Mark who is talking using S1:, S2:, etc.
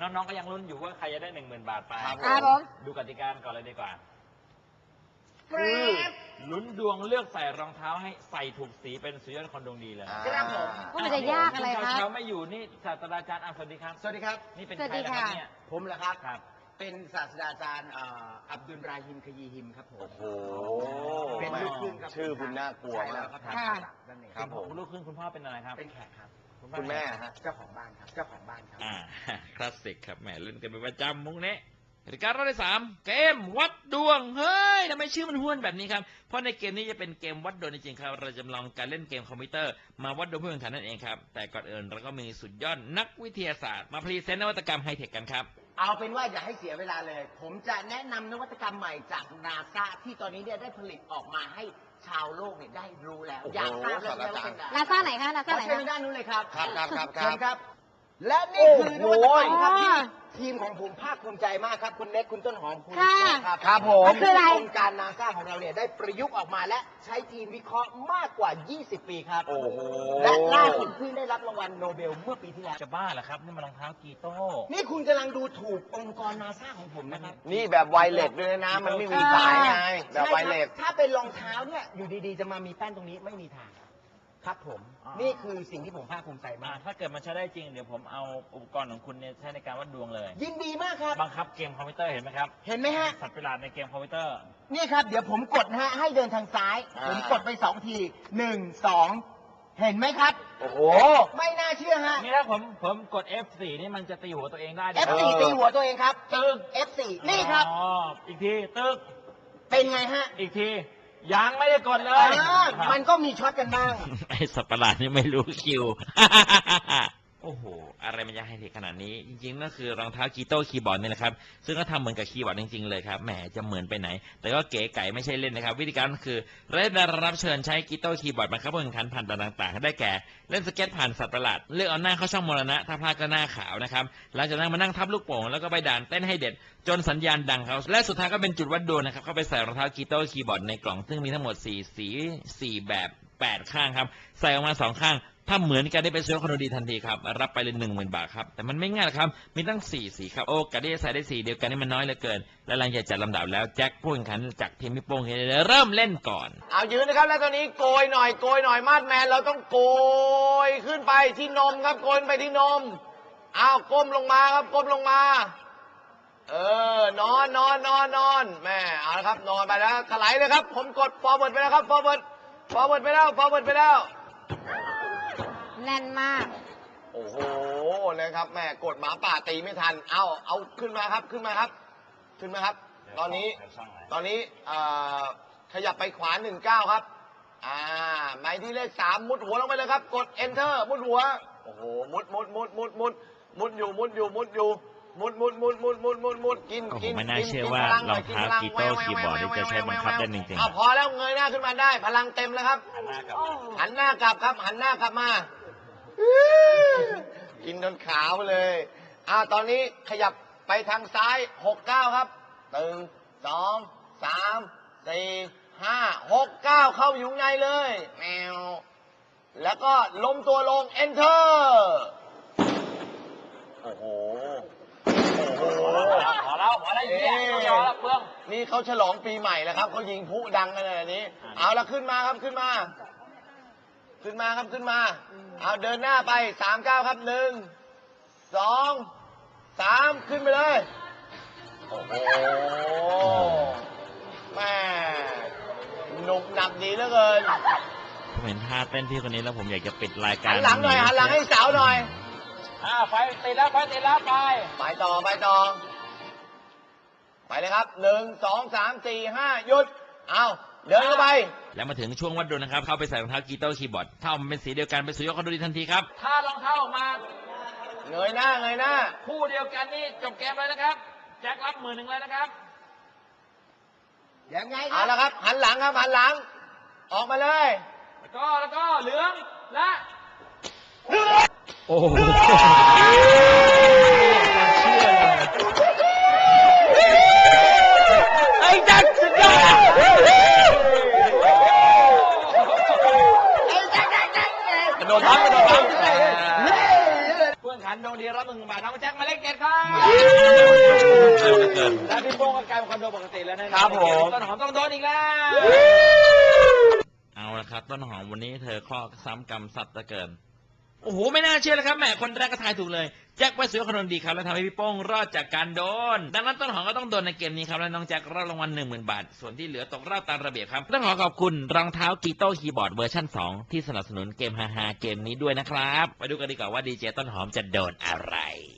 S1: น้องๆก็ยังลุ้นอยู่ว่าใครจะได้ 10,000 บาทไป
S2: ครับผม
S1: ดูกติกาก่อนเลยดีกว่าคือลุ้นดวงเลือกใส่รองเท้าให้ใส่ถูกสีเป็นสุดยอดคนดวงดีเลย
S2: ครับผมว่ามันจะยากอะไรครับ
S1: เช้าไม่อยู่นี่ศาสตราจารย์สวัสดีครับ
S3: สวัสดีครับ
S1: นี่เป็น
S2: สวัส
S1: ใคร
S2: ดี
S1: นะครับ
S2: ค่ะ
S1: เนี่ย
S3: ผมเหรอครับ
S1: ครับ
S3: เป็นศาสตราจารย์อับดุลราฮิมขยีฮิมครับผม
S4: โอ้โห
S3: เป็นลูกครึ่งครับ
S4: ชื่อคุณน่ากลัว
S3: ใช่
S4: มา
S3: แล้
S4: ก
S3: วครับ
S2: ค่ะ
S3: นั่นเอง
S4: ครับผม
S1: คุณลูกครึ่งคุณพ่อเป็นอะไรครับ
S3: เป็นแขกครับ
S4: คุณแม่ฮะ
S3: เจ้าของบ้านครับ เจ้าของบ้านครับ
S1: คลาสสิกครับแหมเล่นกันเป็นประจำมุกนี้กติการอบที่ 3 เกมวัดดวงเฮ้ยทำไมชื่อมันห้วนแบบนี้ครับเพราะในเกมนี้จะเป็นเกมวัดดวงจริงๆครับเราจำลองการเล่นเกมคอมพิวเตอร์มาวัดดวงผู้แข่งขันนั่นเองครับแต่ก่อนอื่นเราก็มีสุดยอดนักวิทยาศาสตร์มาพรีเซนต์นวัตกรรมไฮเทคกันครับ
S3: เอาเป็นว่าอย่าให้เสียเวลาเลย ผมจะแนะนำนวัตกรรมใหม่จากนาซาที่ตอนนี้เนี่ยได้ผลิตออกมาให้ชาวโลกเนี่ยได้รู้แล้ว
S4: โอ้โห
S3: อยากทราบเลยว่าเป็นอะไร
S2: นาซาไหนคะนา
S3: ข
S2: ซา
S3: อ
S2: ไหน
S3: เชิญ
S2: คะ
S3: ด้านนู้นเลยครับ
S4: ครับครับครับ
S3: เชิญครับ และนี่คือนวัตกรรมครับ
S2: โอ้โห
S3: ที่ทีมของผมภาคภูมิใจมากครับ คุณเน็กคุณต้นหอมคุณ
S2: ค่ะ
S3: ครับ
S4: ครับผม
S2: มันคืออะไร
S3: องค์การนาซาของเราเนี่ยได้ประยุกต์ออกมาและใช้ทีมวิเคราะห์มากกว่า 20 ปีครับ
S4: โอ้โห
S3: และล่าสุดเพิ่งได้รับรางวัลโนเบลเมื่อปีที่แล้ว
S1: จะบ้าเหรอครับนี่มันรองเท้ากีโต้
S3: นี่คุณกำลังดูถูกองค์กรนาซาของผมนะครับ
S4: นี่แบบไวเลสด้วยนะ มันไม่มีสายไง แบบไวเลส
S3: ใช่ครับถ้าเป็นรองเท้าเนี่ยอยู่ดีๆ จะมามีแป้นตรงนี้ไม่มีทาง ครับผม นี่คือสิ่งที่ผมภาคภูมิใจมาก
S1: ถ้าเกิดมันใช้ได้จริงเดี๋ยวผมเอาอุปกรณ์ของคุณเนี่ยใช้ในการวัดดวงเลย
S3: ยินดีมากครับ
S1: บังคับเกมคอมพิวเตอร์เห็นไหมครับ
S3: เห็นไหมฮะ
S1: สัตว์ประหลาดในเกมคอมพิวเตอร์
S3: นี่ครับ เดี๋ยวผมกดนะฮะให้เดินทางซ้าย ผมกดไป2 ที 1 2 เห็นไหมครับ
S4: โอ้โห
S3: ไม่น่าเชื่อฮะ
S1: นี่ถ้าผมกด F4 นี่มันจะตีหัวตัวเองได้ด้วย
S3: F4 ตีหัวตัวเองครับตึง F4 นี่ครับ
S1: อ๋ออีกทีตึก
S3: เป็นไงฮะ
S1: อีกทียังไม่ได้กดเลย
S3: มันก็มีช็อตกันบ้าง
S1: ไอสัตว์ประหลาดนี่ไม่รู้คิว โอ้โห อะไรมันจะให้เทขนาดนี้ จริงๆนั่นคือรองเท้ากีโต้คีย์บอร์ดนี่แหละครับ ซึ่งก็ทำเหมือนกับคีย์บอร์ดจริงๆเลยครับ แหมจะเหมือนไปไหน แต่ก็เก๋ไก่ไม่ใช่เล่นนะครับ วิธีการก็คือได้รับเชิญใช้กีโต้คีย์บอร์ดมาครับผู้แข่งขันผ่านด่านต่างๆ ได้แก่เล่นสเก็ตผ่านสัตว์ประหลาด เลือกเอาหน้าเข้าช่องมรณะ ถ้าพลาดก็หน้าขาวนะครับ หลังจากนั้นมานั่งทับลูกโป่งแล้วก็ไปด่านเต้นให้เด็ด จนสัญญาณดังเขาและสุดท้ายก็เป็นจุดวัดดวงนะครับเข้าไปใส่รองเท้ากีโต้คีย์บอร์ดในกล่องซึ่งมีทั้งหมด4 สี4แบบ8ข้างครับใส่ออกมา2ข้างถ้าเหมือนกันได้เป็นซื้อคอนโดดีทันทีครับรับไปเลย 10,000 บาทครับแต่มันไม่ง่ายหรอกครับมีตั้ง4สีครับโอ้กะที่จะใส่ได้สีเดียวกันนี่มันน้อยเหลือเกินและหลังจากจัดลำดับแล้วแจ็คผู้แข่งขันจากทีมพี่โป้งเริ่มเล่นก่อน
S4: เอายืนนะครับ แล้วตอนนี้โกยหน่อย โกยหน่อย มาดแมน เราต้องโกยขึ้นไปที่นมครับ โกยไปที่นม เอาก้มลงมาครับ ก้มลงมา นอนแม่เอาละครับ นอนไปแล้วถลายเลยครับ ผมกด forward ไปแล้วครับ forward ไปแล้ว
S2: แน่นมาก
S4: โอ้โหนะครับแม่กดหมาป่าตีไม่ทัน เอาขึ้นมาครับ ขึ้นมาครับ ตอนนี้ขยับไปขวา19ครับหมายที่เลข3มุดหัวลงไปเลยครับ กด enter มุดหัว โอ้โห มุดอยู่มุดกิน
S1: โอ้โหไม่น่าเชื่อว่ารองเท้ากีโต้คีย์บอร์ดนี่จะใช้บังคับได้จริงๆ
S4: พอแล้วเงยหน้าขึ้นมาได้ พลังเต็มแล้วครับ หันหน้ากลับครับหันหน้ากลับมา กินจนขาวเลยตอนนี้ขยับไปทางซ้าย69ครับ1 2 3 4 5 6 9เข้าอยู่ในเลยแมวแล้วก็ล้มตัวลง enter โอ้โห
S1: พอแล้วเปลือง
S4: นี่เขาฉลองปีใหม่แล้วครับเขายิงพลุดังกันเลยอันนี้ เอาละขึ้นมาครับขึ้นมาเอาเดินหน้าไป39ครับ1 2 3ขึ้นไปเลยโอ้โหแม่หนุกหนับดีเหลือเกิน
S1: ผมเห็นท่าเต้นพี่คนนี้แล้วผมอยากจะปิดรายการ
S4: หันหลังหน่อยหันหลังให้สาวหน่อย
S1: ไฟติดแล้วไป
S4: ไปต่อไปเลยครับ1 2 3 4 5หยุดเอาเดินเข้าไป
S1: แล้วมาถึงช่วงวัดดวงนะครับเข้าไปใส่รองเท้ากีโต้คีย์บอร์ดถ้ามันเป็นสีเดียวกันเป็นสุดยอดคอนโดดีทันทีครับถ้ารองเท้าออกมา
S4: เงยหน้า
S1: คู่เดียวกันนี่จบเกมเลยนะครับแจ็ครับ10,000เลยนะครับ
S3: ยังไงค
S4: เอา
S3: รับ
S4: ละครับหันหลังออกมาเลย
S1: แล้วก็เหลืองและโอ้โหไอ้จักรสุดยอดกระโดดพังเพื่อนขันดวงดีรับ10,000 บาทน้องแจ็คมาเล่นเกม
S3: 7ครับ
S1: เร็วเหลือเกิน
S3: และพี่โป้งก็กลายเป็นคอนโดปกติแล้วนะครับ
S4: ผม
S3: ต้นหอมต้องโดนอีกแล้ว
S1: เอาละครับต้นหอมวันนี้เธอข้อซ้ำกรรมสัตว์เหลือเกิน โอ้โหไม่น่าเชื่อเลยครับแหมคนแรกก็ทายถูกเลยแจ็คไปสวยคนนดีครับแล้วทำให้พี่โป้งรอดจากการโดนดังนั้นต้นหอมก็ต้องโดนในเกมนี้ครับและน้องแจ็ครับรางวัล 10,000 บาทส่วนที่เหลือตกรอบตามระเบียบครับต้องขอขอบคุณรองเท้ากีโต้คีย์บอร์ดเวอร์ชัน2ที่สนับสนุนเกมฮาๆเกมนี้ด้วยนะครับไปดูกันดีกว่าว่าดีเจต้นหอมจะโดนอะไร